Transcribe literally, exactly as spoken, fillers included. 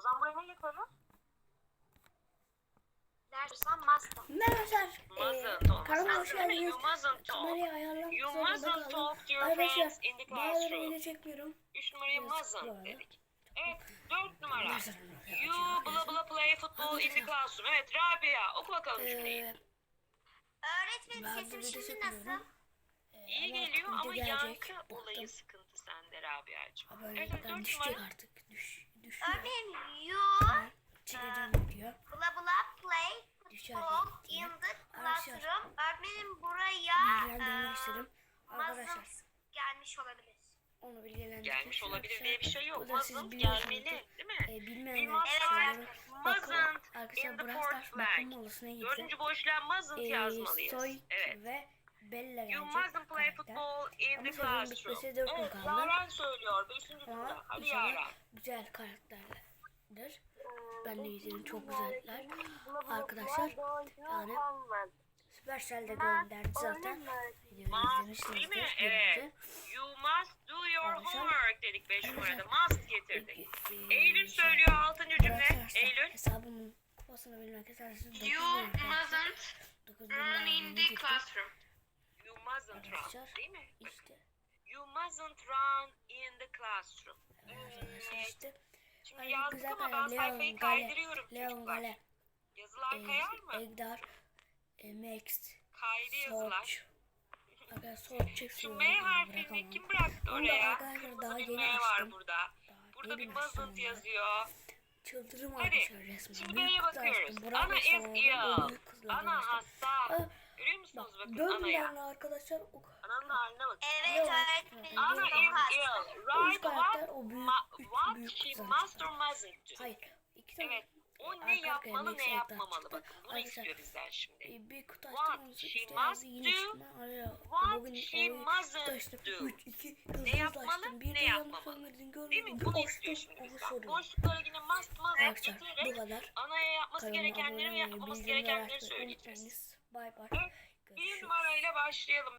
zaman buraya ne getirelim? Dersen must. Merhabalar. Mustn't olması Kanalıma hoş lazım, değil mi? geldiniz. You mustn't talk. Kamerayı ayarlamak You zorunda mustn't kaldım. talk to your Arkadaşlar friends in the bazıları classroom. video çekmiyorum. Üç numaraya Yazık bu mustn't arada. dedik. Evet, dört numara. Arkadaşlar, You bla bla play football in the classroom. Evet, Rabia oku bakalım cümleyi. Ee, Öğretmenim ben sesim de video şimdi çekmiyorum. nasıl? Ee, İyi ama geliyor video ama gelecek. yankı Baktım. olayı sıkıntı sende Rabia'cığım. Ha, Evet, böyle evet, ben dört düşecek numara. artık. Düş, düşüyor. Öğretmenim you Çekeceğim video. bla bla play Düşer football diye. in the Arkadaşlar, classroom. Öğretmenim buraya bilgilendirmek eee, istedim. Arkadaşlar mustn't gelmiş olabilir. onu bilgilendirmek Gelmiş istedim. olabilir diye bir şey yok. Bu da siz Mustn't biliyorsunuz. gelmeli, değil mi? E, We bilmeyenler must için write söylüyorum. Bakın mustn't in arkadaşlar the Brawl fourth Stars bakım blank. molasına gideceğim. Dördüncü boşluğa mustn't Ee, yazmalıyız. Soy Evet. ve Bella You gelecek mustn't play karakter. football in Ama the sezonun classroom. bitmesi dört gün Evet, kaldı. Yaren söylüyor. Beşinci Ama cümle. Hadi inşallah Yaren. güzel karakterlerdir. Ben de izledim, çok güzeller. Arkadaşlar yani Supercell de gönderdi zaten. Videoyu Must değil mi? izlemişsinizdir. Evet. You must do your Arkadaşlar- homework dedik beş numarada. Must getirdik. Ee, Eylül şey, söylüyor altıncı cümle. Brawl Stars'ta Eylül. hesabımın kupasını bilmek isterseniz dokuz You bin arkadaşlar. mustn't dokuz bin run in liranı the getirdim. classroom. You mustn't run. Arkadaşlar Değil mi? Bak, işte. You mustn't run in the classroom. Arkadaşlar Evet. işte. Şimdi Hani yazdık güzel ama ben karakter, sayfayı Leon Gale, kaydırıyorum Leon çocuklar. Gale, Yazılar e, kayar mı? Egdar, e, Max, Kaydı yazılar. Soç. Arkadaşlar Soç Şu çekiyor. M harfini kim bıraktı Onu da oraya? arkadaşlar daha Kırmızı bir yeni M var açtım. burada. Daha Burada bir yeni açtım mustn't onları. yazıyor. Çıldırım Hadi. arkadaşlar resmen. Şimdi Büyük B'ye kızlar bakıyoruz. açtım. Bravo Ana is sana, o ill. büyük kızlar Ana açtım. hasta. Aa, Görüyor musunuz Bak bakın dördüm anaya? yani arkadaşlar. O Ananın haline bakın. Evet Yok. öğretmenim Ana çok is hasta. ill. O üç Right karakter what, o büyük, ma- üç what büyük she kızlar must açtım. or mustn't do. Hayır. İki tane. Evet. O arka ne arkaya yapmalı Max ne Egdar yapmamalı çıktı. bakın. Bunu Arkadaşlar, istiyor bizden şimdi. E, bir kutu What açtım. Onu she işte must yazdı. Yine do, çıkma. Araya. what Bugün she oyun mustn't açtım. do. üç, iki, Ne yapmalı, açtım. Bir ne de yanlış yapmamalı. söylemediğini Değil görmedim. mi? Bunu Açtım, istiyor şimdi onu bizden. soruyorum. Boşluklara yine must must Arkadaşlar bu getirerek kadar. anaya yapması Kanalıma gerekenleri ve abone olmayı, yapmaması bildirimleri gerekenleri açmayı söyleyeceğiz. unutmayınız. Bay bay. Evet, bir Görüşürüz. numarayla başlayalım.